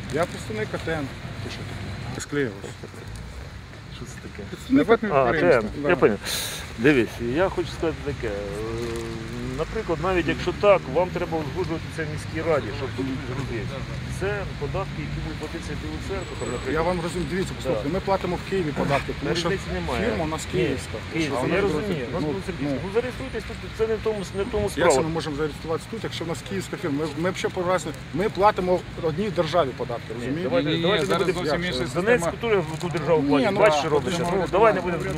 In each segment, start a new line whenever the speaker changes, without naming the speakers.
Я представник АТМ. Ти що таке? Склеїлося.
Що це таке?
Представник
Я поняв. Дивись, я хочу сказати таке. Наприклад, навіть якщо так, вам треба узгоджуватися в міській раді, щоб тут зробити. Це податки, які будуть платитися Білу Церкву.
Я вам розумію, дивіться, послухайте, ми платимо в Києві податки, тому що фірма у нас київська.
Я розумію, зареєструйтесь тут, це не в тому справа.
Як це ми можемо зареєструватися тут, якщо в нас київська фірма? Ми взагалі по-разному, ми платимо в одній державі податки, розумієте?
Давайте не будемо. Донецьк, який в ту державу платить, бачиш, що робиться. Давай не будемо.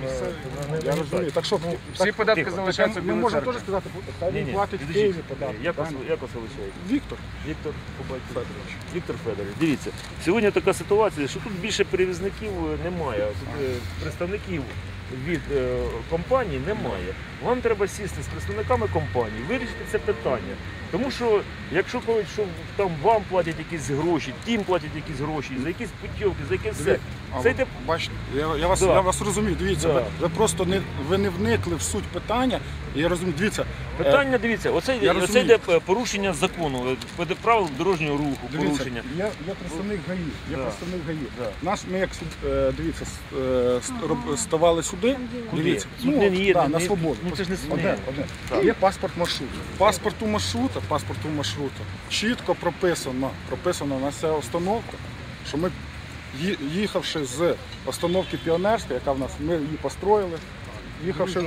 Я розумію. Так що
всі податки залишаються в
Ми
Білій
можемо
Церкві.
теж сказати, хай він платить в Києві податки.
Як вас величають?
Віктор.
Віктор Федорович. Віктор Федорович. Дивіться, сьогодні така ситуація, що тут більше перевізників немає, представників від компаній немає. Вам треба сісти з представниками компаній, вирішити це питання. Тому що, якщо коли там вам платять якісь гроші, тим платять якісь гроші, за якісь путівки, за якесь все.
Бачите, я вас розумію, дивіться, ви просто не вникли в суть питання. Я розумію, дивіться.
Питання, дивіться, оце йде порушення закону, правил дорожнього руху, порушення.
Я представник ГАІ. Нас, ми як, дивіться, ставали сюди, дивіться, на свободу. Є паспорт маршруту. Паспорту маршрута чітко прописано на ця установка, що ми, їхавши з установки Піонерська, яка в нас, ми її построїли, їхавши,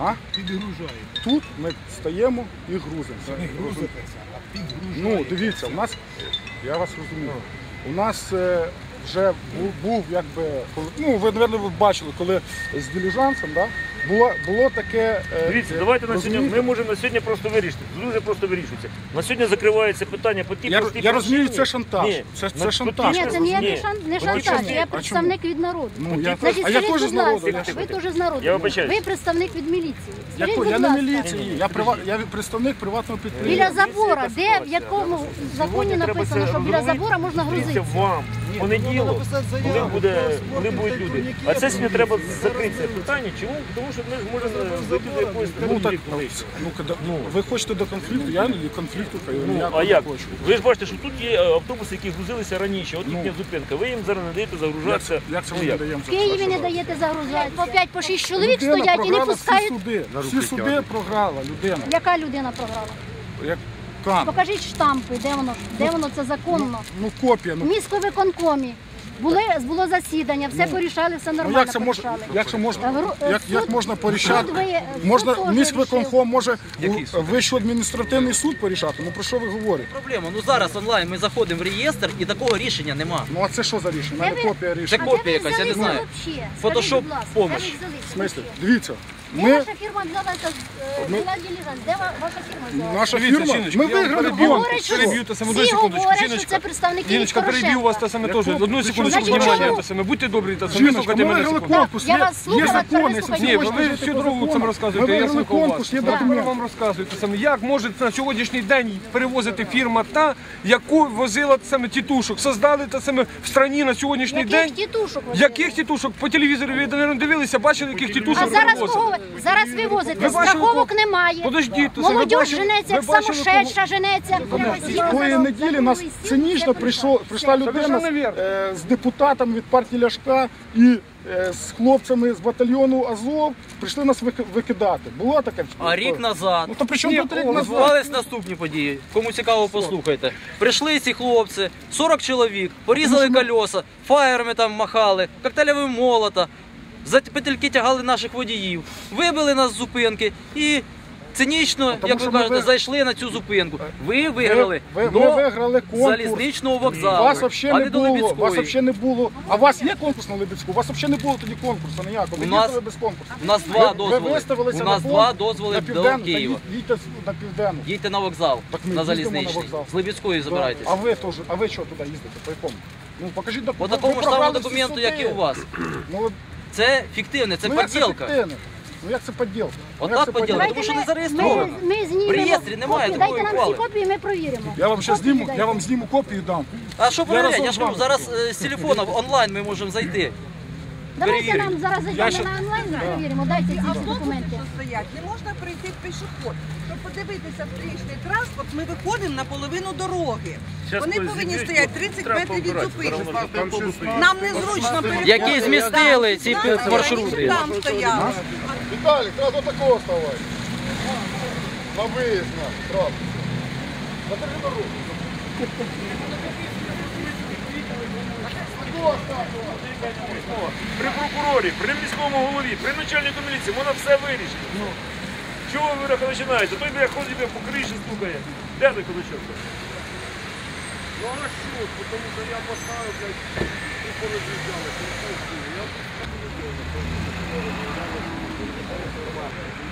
тут ми стаємо і грузимося.
Не грузитеся, а підгружаєте.
Ну, дивіться, у нас, я вас розумію, у нас вже був, якби, ну, ви, мабуть, бачили, коли з диліжансом, було таке...
Дивіться, давайте на сьогодні, ми можемо на сьогодні просто вирішити, дуже просто вирішується. На сьогодні закривається питання по тій простій
Я розумію, це шантаж. Це шантаж.
Ні, це не шантаж, я представник від народу. Значить,
А я
скажіть,
теж з
будь ласка,
народу.
ви теж з народу.
Я вибачаюсь.
Ви представник від міліції. Скажіть, будь
Я не
ласка,
міліції, я представник приватного підприємства.
біля забора, де, в якому законі написано, що біля забора можна грузити?
Вам понеділок, коли будуть люди. А це сьогодні треба закрити це питання. Чому? Тому що ми зможемо зайти до якоїсь
Ви хочете до конфлікту, я до конфлікту
а як? Ви ж бачите, що тут є автобуси, які грузилися раніше, от їхня зупинка. Ви їм зараз не даєте загружатися.
Як це ми не даємо?
В Києві не даєте загружати. По 5-6 чоловік стоять і не пускають.
Всі суди програла людина.
Яка людина програла?
Як Кан.
Покажіть штампи, де воно це законно.
Ну, копія.
В міськвиконкомі було засідання, все порішали, все нормально порішали.
Як можна порішати? Міськвиконком може Вищий адміністративний суд порішати? Ну про що ви говорите?
Проблема, ну зараз онлайн ми заходимо в реєстр і такого рішення нема.
Ну а це що за рішення? У мене копія
Це
рішення.
копія якась, я не знаю. Фотошоп помощь.
В смислі? Дивіться.
Де ваша фірма взялася з диліжанс? Де ваша фірма взялася?
Наша фірма, ми виграли конкурс.
Переб'ю те саме, одну
Всі
секундочку.
говорять, що це представники
Жіночка, переб'ю вас те саме теж. Одну секундочку,
Значить,
внимання,
чому?
те саме. Будьте добрі, те саме.
Жіночка,
Вислухайте
ми
мене
виграли
секунду.
конкурс.
Я вас слухаю,
Є
а тепер
закони.
вислухайте.
Ні, ви всю дорогу цим розказуєте, я слухав вас.
конкурс, є
Я
документ.
вам розказую те саме. Як може на сьогоднішній день перевозити фірма та, яку возила те саме тітушок? Создали те саме в страні на сьогоднішній
Яких
день.
тітушок? ви
Яких тітушок? По телевізору ви, мабуть, дивилися, бачили, яких
А
тітушок
зараз
перевозили?
кого? Зараз ви возите,
Ви бачили,
страховок немає.
Подождіть, то
Молодь
ви бачили-
женеться, як
ви бачили,
самошедша женеться.
Тої неділі нас цинічно прийшла людина з депутатом від партії Ляшка і з хлопцями з батальйону Азов прийшли нас викидати. Було таке?
А рік назад
Ну то при чому тут рік назад?
відбувались наступні події. Кому цікаво, послухайте. Прийшли ці хлопці, 40 чоловік, порізали кольоса, фаєрами там махали, коктейлевим молота, за петельки тягали наших водіїв, вибили нас з зупинки і цинічно, як ви кажете, зайшли на цю зупинку. Ви виграли
Ви
до
виграли конкурс.
залізничного вокзалу,
Вас
а
взагалі
не
не
до
було. Вас
Либідської.
взагалі не було. А у вас є конкурс на Либідську? У вас взагалі не було тоді конкурсу ніякого. Ви
У нас-
їздили без конкурсу.
У нас два
Ви
дозволи.
виставилися
У нас
на
два
конкурс
дозволи
на
до
Південну,
Києва.
та їдьте на Південну.
Їдьте на вокзал,
Так ми
на
їздимо на
залізничний.
вокзал.
З Либідської забирайтесь.
А ви що туди їздите? По якому? Ну покажіть
По
документ.
такому ж самому документу, як і у вас.
Ну,
Це фіктивне, це
як
подділка.
фіктивне? Ну як це подділка?
Отак поділка, тому що не зареєстровано.
Ми знімемо
В реєстрі немає
копії.
такої
Дайте нам
ухвали.
всі копії, ми провіримо.
Я вам зараз зніму,
Копії
я вам
дайте.
зніму копію і дам.
А що перевіряти? Я
разом
ж кажу,
з вами.
зараз з телефону онлайн ми можемо зайти.
Давайте
перевіримо.
нам зараз зайдемо на онлайн, перевіримо, дайте ці всі документи.
Автобуси стоять, не можна прийти пішоход. Щоб подивитися встрічний транспорт, ми виходимо на половину дороги.
Щас
Вони
хтось
повинні
зіб'є,
стояти
бо
30
треба
метрів від
побирати,
зупинки. Нам незручно переходити.
Які змістили ці маршрути.
Там стояли.
Віталік, треба до такого ставати. На виїзд, правда. На дорогу.
При прокурорі, при міському голові, при начальнику міліції, вона все вирішить. Чого ви починаєте? Той де ходить по криші, стукає. Де той кулачок?
Ну а що? Тому що я поставив, блядь, і пороз'їжджали.